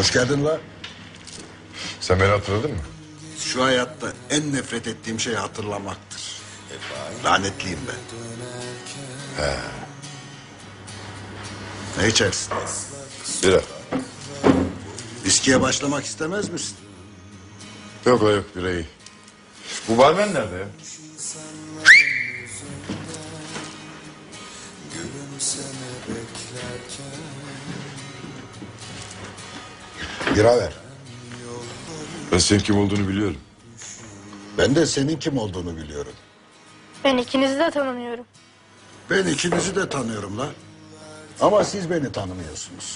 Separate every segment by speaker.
Speaker 1: Hoş geldin la.
Speaker 2: Sen beni hatırladın mı?
Speaker 1: Şu hayatta en nefret ettiğim şey hatırlamaktır. Lanetliyim ben.
Speaker 2: He.
Speaker 1: Ne içersin?
Speaker 2: Bira.
Speaker 1: Viskiye başlamak istemez misin?
Speaker 2: Yok la yok, bira iyi. Bu barmen nerede ya?
Speaker 1: Bira ver.
Speaker 2: Ben senin kim olduğunu biliyorum.
Speaker 1: Ben de senin kim olduğunu biliyorum.
Speaker 3: Ben ikinizi de tanımıyorum.
Speaker 1: Ben ikinizi de tanıyorum la. Ama siz beni tanımıyorsunuz.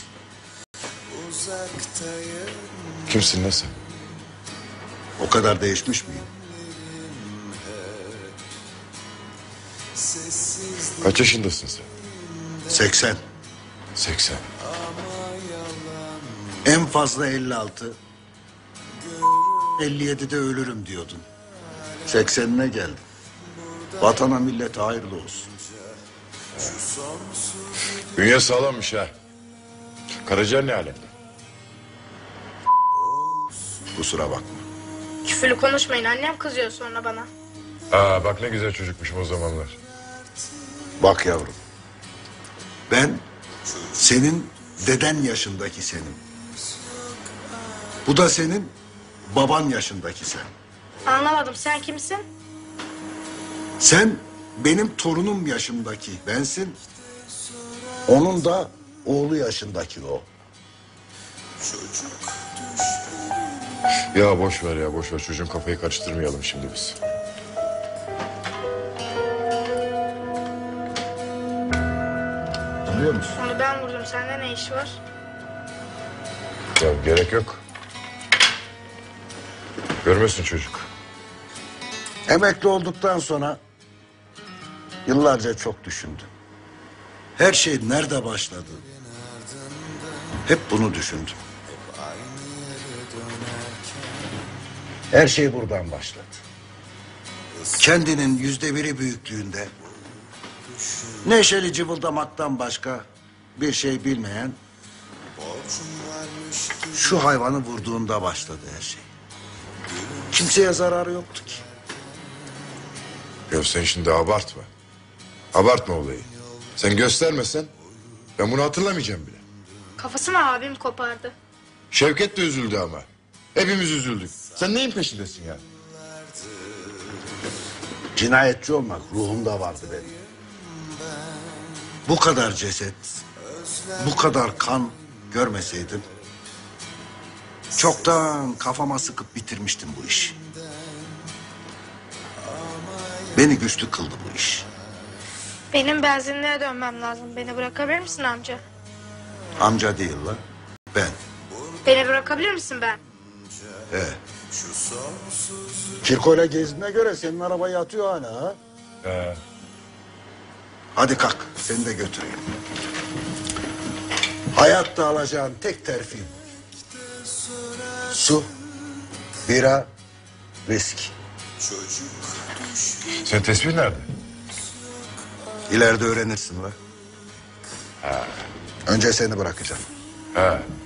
Speaker 2: Kimsin lan sen?
Speaker 1: O kadar değişmiş miyim?
Speaker 2: Kaç yaşındasın sen?
Speaker 1: 80.
Speaker 2: 80.
Speaker 1: En fazla 56. 57'de ölürüm diyordun. 80'ine geldin. Vatana millete hayırlı olsun.
Speaker 2: Bünye sağlammış ha. Karaciğer ne alemde?
Speaker 1: Kusura bakma.
Speaker 3: Küfürlü konuşmayın, annem kızıyor sonra bana.
Speaker 2: Aa bak ne güzel çocukmuşum o zamanlar.
Speaker 1: Bak yavrum. Ben senin deden yaşındaki senim. Bu da senin baban yaşındaki sen.
Speaker 3: Anlamadım, sen kimsin?
Speaker 1: Sen benim torunum yaşındaki bensin. Onun da oğlu yaşındaki o.
Speaker 2: Ya boş ver ya, boş ver. Çocuğun kafayı karıştırmayalım şimdi biz.
Speaker 1: Tanıyor musun?
Speaker 3: Onu ben vurdum, sende ne iş var?
Speaker 2: Ya gerek yok. Görmüyorsun çocuk.
Speaker 1: Emekli olduktan sonra yıllarca çok düşündüm. Her şey nerede başladı? Hep bunu düşündüm. Her şey buradan başladı. Kendinin %1'i büyüklüğünde neşeli cıvıldamaktan başka bir şey bilmeyen şu hayvanı vurduğunda başladı her şey. Kimseye zararı yoktu ki.
Speaker 2: Ya sen şimdi abartma. Abartma olayı. Sen göstermesen ben bunu hatırlamayacağım bile.
Speaker 3: Kafasını abim kopardı.
Speaker 2: Şevket de üzüldü ama. Hepimiz üzüldük. Sen neyin peşindesin ya?
Speaker 1: Cinayetçi olmak ruhumda vardı benim. Bu kadar ceset, bu kadar kan görmeseydim çoktan kafama sıkıp bitirmiştim bu işi. Beni güçlü kıldı bu iş.
Speaker 3: Benim benzinliğe dönmem lazım. Beni bırakabilir misin amca?
Speaker 1: Amca değil lan, ben.
Speaker 3: Beni bırakabilir misin ben?
Speaker 1: He. Kirkoyla gezdiğine göre senin araba yatıyor hala ha? Hadi kalk, seni de götüreyim. Hayatta alacağın tek terfi bu. Su, bira, viski.
Speaker 2: Senin tespih nerede?
Speaker 1: İleride öğrenirsin lan. Önce seni bırakacağım.
Speaker 2: Ha.